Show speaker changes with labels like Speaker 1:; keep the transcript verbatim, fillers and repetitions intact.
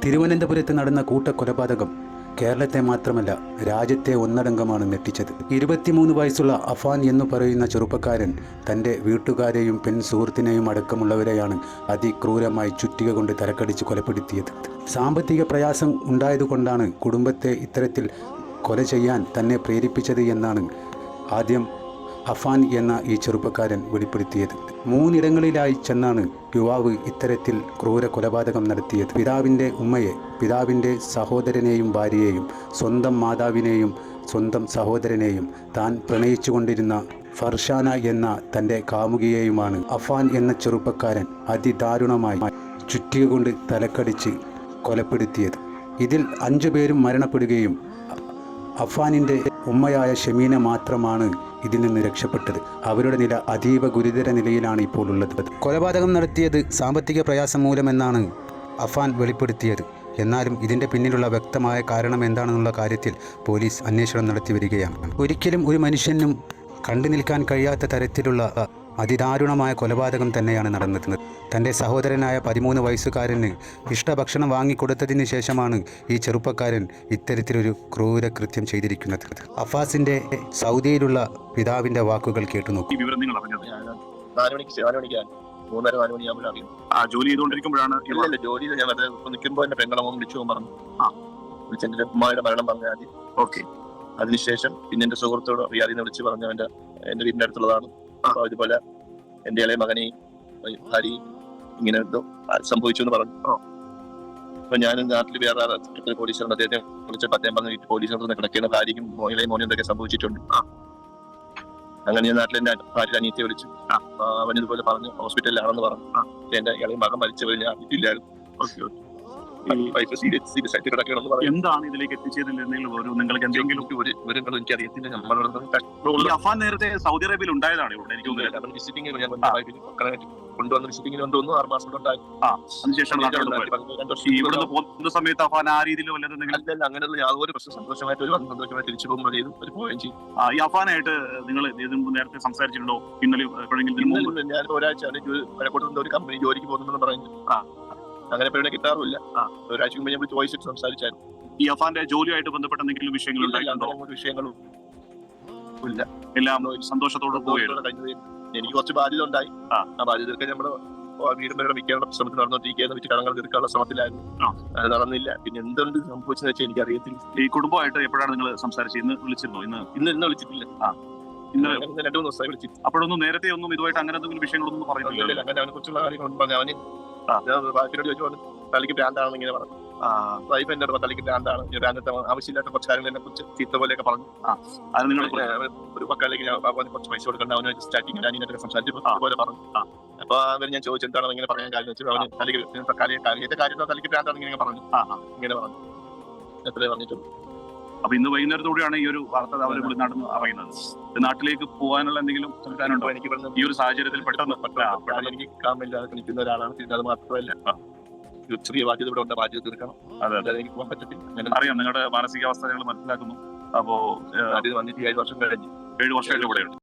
Speaker 1: തിരുവനന്തപുരത്ത് നടന്ന കൂട്ടക്കൊലപാതകം കേരളത്തെ മാത്രമല്ല രാജ്യത്തെ ഒന്നടങ്കമാണ് ഞെട്ടിച്ചത്. ഇരുപത്തിമൂന്ന് വയസ്സുള്ള അഫാൻ എന്നു പറയുന്ന ചെറുപ്പക്കാരൻ തൻ്റെ വീട്ടുകാരെയും പെൺ സുഹൃത്തിനെയും അടക്കമുള്ളവരെയാണ് അതിക്രൂരമായി ചുറ്റിക കൊണ്ട് തലക്കടിച്ച് കൊലപ്പെടുത്തിയത്. സാമ്പത്തിക പ്രയാസം ഉണ്ടായതുകൊണ്ടാണ് കുടുംബത്തെ ഇത്തരത്തിൽ കൊല ചെയ്യാൻ തന്നെ പ്രേരിപ്പിച്ചത് എന്നാണ് ആദ്യം അഫാൻ എന്ന ഈ ചെറുപ്പക്കാരൻ വെളിപ്പെടുത്തിയത്. മൂന്നിടങ്ങളിലായി ചെന്നാണ് യുവാവ് ഇത്തരത്തിൽ ക്രൂര കൊലപാതകം നടത്തിയത്. പിതാവിൻ്റെ ഉമ്മയെ, പിതാവിൻ്റെ സഹോദരനെയും ഭാര്യയെയും, സ്വന്തം മാതാവിനെയും സ്വന്തം സഹോദരനെയും താൻ പ്രണയിച്ചുകൊണ്ടിരുന്ന ഫർഷാന എന്ന തൻ്റെ കാമുകിയെയുമാണ് അഫാൻ എന്ന ചെറുപ്പക്കാരൻ അതിദാരുണമായി ചുറ്റിക കൊണ്ട് തലക്കടിച്ച് കൊലപ്പെടുത്തിയത്. ഇതിൽ അഞ്ചു പേരും മരണപ്പെടുകയും അഫാനിൻ്റെ ഉമ്മയായ ഷമീന മാത്രമാണ് ഇതിൽ നിന്ന് രക്ഷപ്പെട്ടത്. അവരുടെ നില അതീവ ഗുരുതര നിലയിലാണ് ഇപ്പോൾ ഉള്ളത്. കൊലപാതകം നടത്തിയത് സാമ്പത്തിക പ്രയാസം മൂലമെന്നാണ് അഫാൻ വെളിപ്പെടുത്തിയത്. എന്നാലും ഇതിൻ്റെ പിന്നിലുള്ള വ്യക്തമായ കാരണം എന്താണെന്നുള്ള കാര്യത്തിൽ പോലീസ് അന്വേഷണം നടത്തി വരികയാണ്. ഒരിക്കലും ഒരു മനുഷ്യനും കണ്ടു നിൽക്കാൻ കഴിയാത്ത തരത്തിലുള്ള അതിദാരുണമായ കൊലപാതകം തന്നെയാണ് നടന്നത്. തൻ്റെ സഹോദരനായ പതിമൂന്ന് വയസ്സുകാരന് ഇഷ്ടഭക്ഷണം വാങ്ങിക്കൊടുത്തതിന് ശേഷമാണ് ഈ ചെറുപ്പക്കാരൻ ഇത്തരത്തിലൊരു ക്രൂര കൃത്യം ചെയ്തിരിക്കുന്നത്. അഫാസിൻ്റെ സൗദിയിലുള്ള പിതാവിൻ്റെ വാക്കുകൾ കേട്ടു നോക്കൂ.
Speaker 2: മൂന്നര നാല് മണിയാകുമ്പോൾ അറിയും. ജോലി ചെയ്തുകൊണ്ടിരിക്കുമ്പോഴാണ് ഇല്ല ജോലിയിൽ ഞാൻ അത് നിൽക്കുമ്പോൾ എന്നെ പെങ്ങളമ്മ വിളിച്ചു പറഞ്ഞു. ആ വിളിച്ചെന്റെ ഉമ്മയുടെ മരണം പറഞ്ഞ ആദ്യം. ഓക്കെ. അതിനുശേഷം പിന്നെ എന്റെ സുഹൃത്തോട് റിയാദിനെ വിളിച്ച് പറഞ്ഞു എന്റെ എന്റെ വീടിന്റെ അടുത്തുള്ളതാണ്. അപ്പൊ ഇതുപോലെ എന്റെ ഇളയ മകനെയും ഭാര്യയും ഇങ്ങനെ എന്തോ സംഭവിച്ചു എന്ന് പറഞ്ഞു. അപ്പൊ ഞാൻ നാട്ടിൽ വേറെ പോലീസുകാരൻ അദ്ദേഹത്തെ വിളിച്ചപ്പോൾ അദ്ദേഹം പറഞ്ഞു പോലീസിനടുത്ത് കിടക്കുന്ന ഭാര്യയ്ക്കും ഇളയ മോനും എന്തൊക്കെ സംഭവിച്ചിട്ടുണ്ട്. അങ്ങനെ ഞാൻ നാട്ടിൽ എന്റെ ഭാര്യ അനിയത്തെ വിളിച്ചു. അവൻ ഇതുപോലെ പറഞ്ഞു ഹോസ്പിറ്റലിലാണെന്ന് പറഞ്ഞു. എന്റെ ഇളയ മകൻ മരിച്ചവർ ഞാൻ അറിയില്ലായിരുന്നു.
Speaker 3: എന്താണ് ഇതിലേക്ക് എത്തിച്ചതിൽ നിങ്ങൾക്ക് എന്തെങ്കിലും
Speaker 2: വിവരങ്ങൾ എനിക്ക് അറിയത്തില്ല.
Speaker 3: അഫാൻ നേരത്തെ സൗദി അറേബ്യയിൽ ഉണ്ടായതാണ് ഇവിടെ എനിക്ക്
Speaker 2: വിസിറ്റിംഗ് കൊണ്ടുവന്ന് വിസിറ്റിംഗിന് കൊണ്ടുവന്നു. ആറ് മാസം
Speaker 3: അതിനുശേഷം ഇവിടുന്ന് പോകുന്ന സമയത്ത് അഫാൻ ആ രീതിയിൽ
Speaker 2: അല്ലല്ല അങ്ങനെയുള്ള യാതൊരു പ്രശ്നം സന്തോഷമായിട്ട് ഒരു സന്തോഷമായി തിരിച്ചു പോകുമ്പോൾ ചെയ്തു ഒരു പോവുകയും ചെയ്യും.
Speaker 3: ഈ അഫാനായിട്ട് നിങ്ങൾ നേരത്തെ സംസാരിച്ചിട്ടുണ്ടോ? ഇന്നലെ
Speaker 2: ഞാൻ ഒരാഴ്ച ഒരു കമ്പനി ജോലിക്ക് പോകുന്നുണ്ടെന്ന് പറഞ്ഞു. അങ്ങനെ പേരെ കിട്ടാറില്ല. ഒരാഴ്ച മുമ്പ് ഞാൻ ചോദിച്ചിട്ട് സംസാരിച്ചായിരുന്നു.
Speaker 3: ഈ അഫാന്റെ ജോലിയായിട്ട് ബന്ധപ്പെട്ട എന്തെങ്കിലും വിഷയങ്ങൾ ഉണ്ടായിട്ടുണ്ടോ?
Speaker 2: വിഷയങ്ങളും ഇല്ല,
Speaker 3: എല്ലാം സന്തോഷത്തോടെ പോവുകയാണ്.
Speaker 2: എനിക്ക് കുറച്ച് ബാധ്യത ഉണ്ടായി. ആ ബാധ്യതയൊക്കെ നമ്മുടെ വീടും പേരുടെ മിക്കാനുള്ള ശ്രമത്തിൽ നടന്നുകൊണ്ടിരിക്കുകയായിരുന്നു. വീട്ടിൽ കടങ്ങൾ തീർക്കാനുള്ള ശ്രമത്തിലായിരുന്നു. അത് നടന്നില്ല. പിന്നെ എന്തുകൊണ്ട് സംഭവിച്ചെന്ന് വെച്ചാൽ എനിക്ക് അറിയത്തില്ല.
Speaker 3: ഈ കുടുംബമായിട്ട് എപ്പോഴാണ് നിങ്ങൾ സംസാരിച്ചത്? ഇന്ന് വിളിച്ചിരുന്നോ? ഇന്ന്
Speaker 2: ഇന്ന് ഇന്ന് വിളിച്ചിട്ടില്ല.
Speaker 3: ഇന്ന്
Speaker 2: രണ്ടു മൂന്ന് ദിവസമായി വിളിച്ചിട്ട്.
Speaker 3: അപ്പോഴൊന്നും നേരത്തെ ഒന്നും ഇതുമായിട്ട് അങ്ങനെ എന്തെങ്കിലും വിഷയങ്ങളൊന്നും പറയുന്നില്ല.
Speaker 2: അങ്ങനെ അവനെ കുറിച്ചുള്ള കാര്യങ്ങളൊന്നും പറഞ്ഞു. അവന് ബാക്കിയോട് ചോദിച്ചു തലയ്ക്ക് ഭ്രാന്താണെന്ന് ഇങ്ങനെ പറഞ്ഞു. വൈഫ് എന്റെ തലയ്ക്ക് ഭ്രാന്താണ്, ഭ്രാന്തത്തെ ആവശ്യമില്ലാത്ത കുറച്ച് കാര്യങ്ങളെ കുറിച്ച് ചീത്ത പോലെയൊക്കെ പറഞ്ഞു.
Speaker 3: അത് നിങ്ങൾ
Speaker 2: ഒരു പക്കാലേക്ക് കുറച്ച് പൈസ കൊടുക്കണ്ട അവന് സ്റ്റാർട്ടിങ്ങിൽ അനിയനൊക്കെ സംസാരിച്ചപ്പോൾ പോലെ പറഞ്ഞു. അപ്പൊ അവർ ഞാൻ ചോദിച്ചു എന്താണ് ഇങ്ങനെ പറയാൻ കാര്യം വെച്ചാൽ അവന് തലയ്ക്ക് കാര്യത്തെ കാര്യം തലയ്ക്ക് ഭ്രാന്താണെന്ന് ഇങ്ങനെ പറഞ്ഞു. ഇങ്ങനെ പറഞ്ഞു എത്രേ പറഞ്ഞിട്ടുള്ളൂ.
Speaker 3: അപ്പൊ ഇന്ന് വൈകുന്നേരത്തോടെയാണ് ഈ ഒരു വാർത്ത അവർ നടന്ന് അറിയുന്നത്. നാട്ടിലേക്ക് പോകാനുള്ള എന്തെങ്കിലും സംവിധാനമുണ്ടോ? എനിക്ക് ഈ ഒരു സാഹചര്യത്തിൽ പെട്ടെന്ന്
Speaker 2: പെട്ടെന്ന് എനിക്ക് കാമില്ലാതെ നിൽക്കുന്ന ഒരാളാണ്. പിന്നെ അത് മാത്രമല്ല ചെറിയ ബാധ്യത ഇവിടെ ഉണ്ട്, ബാധ്യത തീർക്കണം. അതെ, എനിക്ക് പോകാൻ പറ്റത്തില്ല.
Speaker 3: അറിയാം നിങ്ങളുടെ മാനസികാവസ്ഥ ഞങ്ങൾ മനസ്സിലാക്കുന്നു. അപ്പോ
Speaker 2: അത് വന്നിട്ട് ഏഴ് വർഷം കഴിഞ്ഞു.
Speaker 3: ഏഴ് വർഷമായിട്ട് ഇവിടെയുണ്ട്.